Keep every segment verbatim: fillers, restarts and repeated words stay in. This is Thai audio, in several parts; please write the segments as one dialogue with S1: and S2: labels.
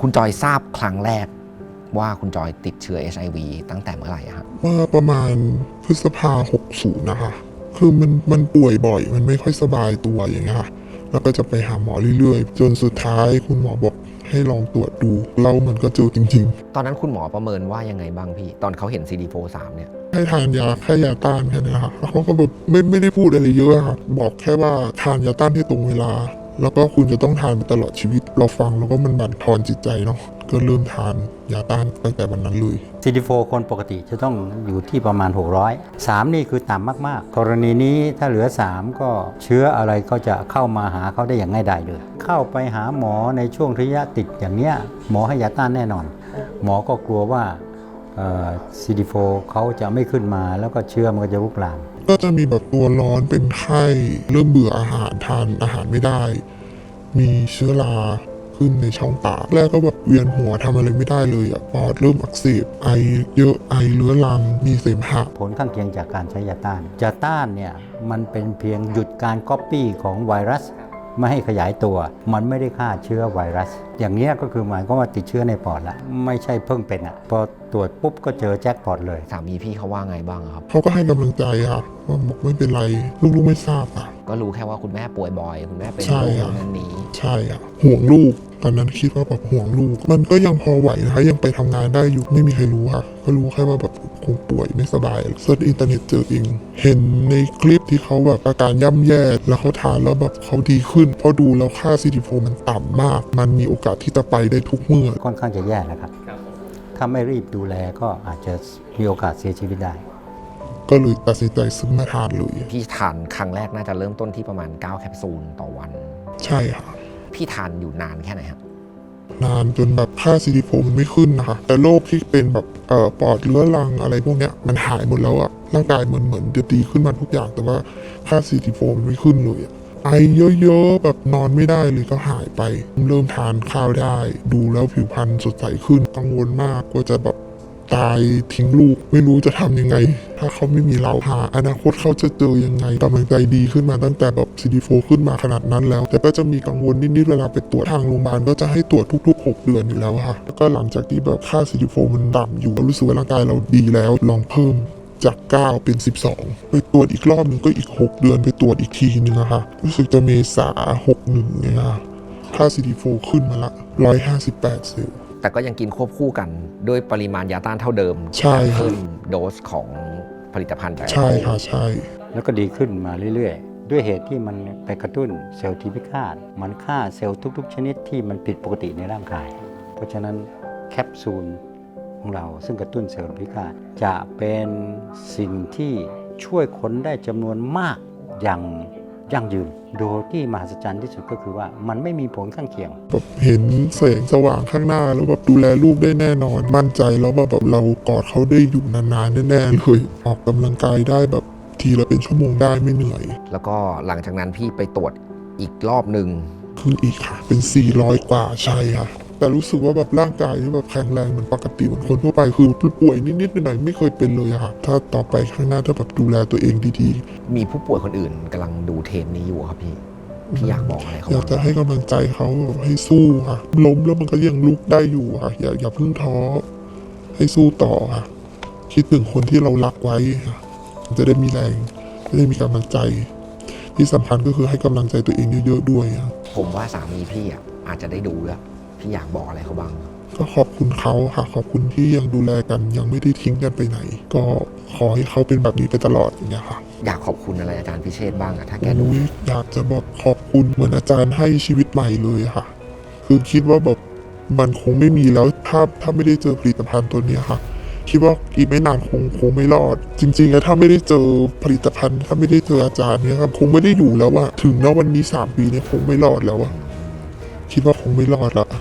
S1: คุณจอยทราบครั้งแรกว่าคุณจอยติดเชื้อ เอช ไอ วี ตั้งแต่เมื่อไหร่ครับ
S2: ว่าประมาณพฤษภาหกสิบนะคะคือมันมันป่วยบ่อยมันไม่ค่อยสบายตัวอย่างเงี้ยค่ะแล้วก็จะไปหาหมอเรื่อยๆจนสุดท้ายคุณหมอบอกให้ลองตรวจดูแล้วมันก็เจอจริง
S1: ๆตอนนั้นคุณหมอประเมินว่ายังไงบ้างพี่ตอนเขาเห็น ซี ดี โฟร์ สาม เนี่ย
S2: ให้ทานยาแค่ยาต้านแค่นี้ค่ะแล้วเขาก็แบบไม่ไม่ได้พูดอะไรเยอะค่ะบอกแค่ว่าทานยาต้านที่ตรงเวลาแล้วก็คุณจะต้องทานไปตลอดชีวิตเราฟังแล้วก็มันบั่นทอนจิตใจเนาะก็เริ่มทานยาต้านตั้งแต่วันนั้นเลย
S3: ซี ดี โฟร์ คนปกติจะต้องอยู่ที่ประมาณหกร้อย สามนี่คือต่ำมากๆกรณีนี้ถ้าเหลือสามก็เชื้ออะไรก็จะเข้ามาหาเขาได้อย่างง่ายดายเลยเข้าไปหาหมอในช่วงระยะติดอย่างเนี้ยหมอให้ยาต้านแน่นอนหมอก็กลัวว่า ซี ดี โฟร์ เขาจะไม่ขึ้นมาแล้วก็เชื้อมันก็จะลุกลาม
S2: ก็จะมีแบบตัวร้อนเป็นไข้เริ่มเบื่ออาหารทานอาหารไม่ได้มีเชื้อราขึ้นในช่องปากแรกก็แบบเวียนหัวทำอะไรไม่ได้เลยอ่ะปอดเริ่มอักเสบไอเยอะไอเรื้อรังมีเสมหะ
S3: ผลข้างเคียงจากการใช้ยาต้านยาต้านเนี่ยมันเป็นเพียงหยุดการก๊อปปี้ของไวรัสไม่ให้ขยายตัวมันไม่ได้ฆ่าเชื้อไวรัสอย่างนี้ก็คือหมายความว่าติดเชื้อในปอดละไม่ใช่เพิ่งเป็นอ่ะพอตรวจปุ๊บก็เจอแจ็คพอตเลย
S1: สามีพี่เขาว่าไงบ้างครับ
S2: เขาก็ให้กำลังใจค่ะว่าบอกไม่เป็นไรลูกๆไม่ทราบอ่ะ
S1: ก็รู้แค่ว่าคุณแม่ป่วยบ่อยคุณแม่เป็นโรคนั้นนี้
S2: ใช่อ่ะห่วงลูกตอนนั้นคิดว่าแบบห่วงลูกมันก็ยังพอไหวนะคะยังไปทำงานได้อยู่ไม่มีใครรู้ค่ะก็รู้แค่ว่าแบบคงป่วยไม่สบายเซิร์ชอินเทอร์เน็ตเจอเองเห็นในคลิปที่เขาแบบอาการย่ำแย่แล้วเขาทานแล้วแบบเขาดีขึ้นพอดูแล้วค่า ซี ดี โฟร์ มันต่ำมากมันมีโอกาสที่จะไปได้ทุกเมื่อ
S3: ค่อนข้างจะแย่นะครับถ้าไม่รีบดูแลก็อาจจะมีโอกาสเสียชีวิตได้
S2: ก็เลยตัดสินใจซื้อมาทานเลย
S1: พี่ทานครั้งแรกน่าจะเริ่มต้นที่ประมาณเก้าแคปซูลต่อวัน
S2: ใช่ค่ะ
S1: พี่ทานอยู่นานแค่ไหนครับ
S2: นานจนแบบค่า ซี ดี โฟร์ มันไม่ขึ้นนะคะแต่โรคที่เป็นแบบเอ่อปอดเรื้อรังอะไรพวกเนี้ยมันหายหมดแล้วอะร่างกายเหมือนเหมือนจะดีขึ้นมาทุกอย่างแต่ว่าค่า ซี ดี โฟร์ มันไม่ขึ้นเลยอะไอเยอะๆแบบนอนไม่ได้เลยก็หายไปเริ่มทานข้าวได้ดูแล้วผิวพรรณสดใสขึ้นกังวลมากว่าจะแบบตายทิ้งลูกไม่รู้จะทำยังไงถ้าเขาไม่มีเราหาอนาคตเขาจะเจอยังไงกำลังใจดีขึ้นมาตั้งแต่แบบ ซี ดี โฟร์ ขึ้นมาขนาดนั้นแล้วแต่ก็จะมีกังวลนิดๆเวลาไปตรวจทางโรงพยาบาลก็จะให้ตรวจทุกๆหกเดือนอยู่แล้วค่ะแล้วก็หลังจากที่แบบค่า ซี ดี โฟร์ มันต่ำอยู่เรารู้สึกว่าร่างกายเราดีแล้วลองเพิ่มจากเก้าเป็นสิบสองไปตรวจอีกรอบหนึ่งก็อีกหกเดือนไปตรวจอีกทีนึงอะค่ะรู้สึกจะเมษาหกสิบเอ็ดเนี่ยค่ะค่า ซี ดี โฟร์ ขึ้นมาละหนึ่งร้อยห้าสิบแปดเซลล์
S1: แต่ก็ยังกินควบคู่กันด้วยปริมาณยาต้านเท่าเดิม
S2: ใช่
S1: เพิ่มโดสของผลิตภัณฑ์
S2: ใช่ค่ะใช่
S3: แล้วก็ดีขึ้นมาเรื่อยๆด้วยเหตุที่มันไปกระตุ้นเซลล์ที่พิฆาตมันฆ่าเซลล์ทุกๆชนิดที่มันผิดปกติในร่างกายเพราะฉะนั้นแคปซูลของเราซึ่งกระตุ้นเซลล์พิฆาตจะเป็นสิ่งที่ช่วยคนได้จำนวนมากอย่างยั่งยืนโดยที่มหัศจรรย์ที่สุดก็คือว่ามันไม่มีผลข้างเคียง
S2: แบบเห็นแสงสว่างข้างหน้าแล้วแบบดูแลลูกได้แน่นอนมั่นใจแล้วว่าแบบเรากอดเขาได้อยู่นานๆแน่ๆเลยออกกำลังกายได้แบบทีละเป็นชั่วโมงได้ไม่เหนื่อย
S1: แล้วก็หลังจากนั้นพี่ไปตรวจอีกรอบหนึ่ง
S2: ขึ้นอีกค่ะเป็นสี่ร้อยกว่าใช่ค่ะแต่รู้สึกว่าแบบร่างกายที่แบบแข็งแรงเหมือนปกติเหมือนคนทั่วไปคือป่วยนิดๆหน่อยๆไม่เคยเป็นเลยอะค่ะถ้าต่อไปข้างหน้าถ้าแบบดูแลตัวเองดี
S1: ๆมีผู้ป่วยคนอื่นกำลังดูเทปนี้อยู่ครับพี่พี่อยากบอกอะไรเขา
S2: อยากจะให้กำลังใจเขาให้สู้ค่ะล้มแล้วมันก็ยังลุกได้อยู่ค่ะอย่าอย่าเพิ่งท้อให้สู้ต่อค่ะคิดถึงคนที่เรารักไว้ค่ะจะได้มีแรงจะได้มีกำลังใจที่สำคัญก็คือให้กำลังใจตัวเองเยอะๆด้วยครับ
S1: ผมว่าสามีพี่อ่ะอาจจะได้ดูแล้วพี่อยากบอกอะไรเขาบ้าง
S2: ก็ขอบคุณเขาค่ะขอบคุณที่ยังดูแลกันยังไม่ได้ทิ้งกันไปไหนก็ขอให้เขาเป็นแบบนี้ไปตลอดอย่างเงี้ยค่ะ
S1: อยากขอบคุณอะไรอาจารย์พิเชษบ้างอะถ้าแกดู
S2: อยากจะบอกขอบคุณเหมือนอาจารย์ให้ชีวิตใหม่เลยค่ะคือคิดว่าแบบมันคงไม่มีแล้วถ้าถ้าไม่ได้เจอผลิตภัณฑ์ตัวนี้ค่ะคิดว่าอีกไม่นานคงคงไม่รอดจริงๆแล้วถ้าไม่ได้เจอผลิตภัณฑ์ถ้าไม่ได้เจออาจารย์เนี่ยครับคงไม่ได้อยู่แล้วอะถึงณวันนี้สามปีเนี่ยคงไม่รอดแล้วอะคิดว่าคงไม่รอดละ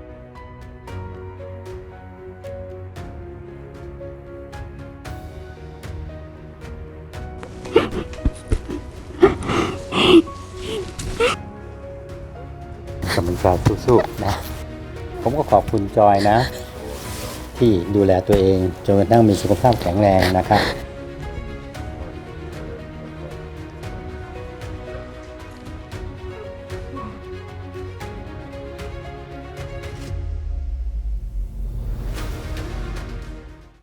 S3: กำลังใจสู้ๆนะผมก็ขอบคุณจอยนะที่ดูแลตัวเองจนกระทั่งมีสุขภาพแข็งแรงนะครับ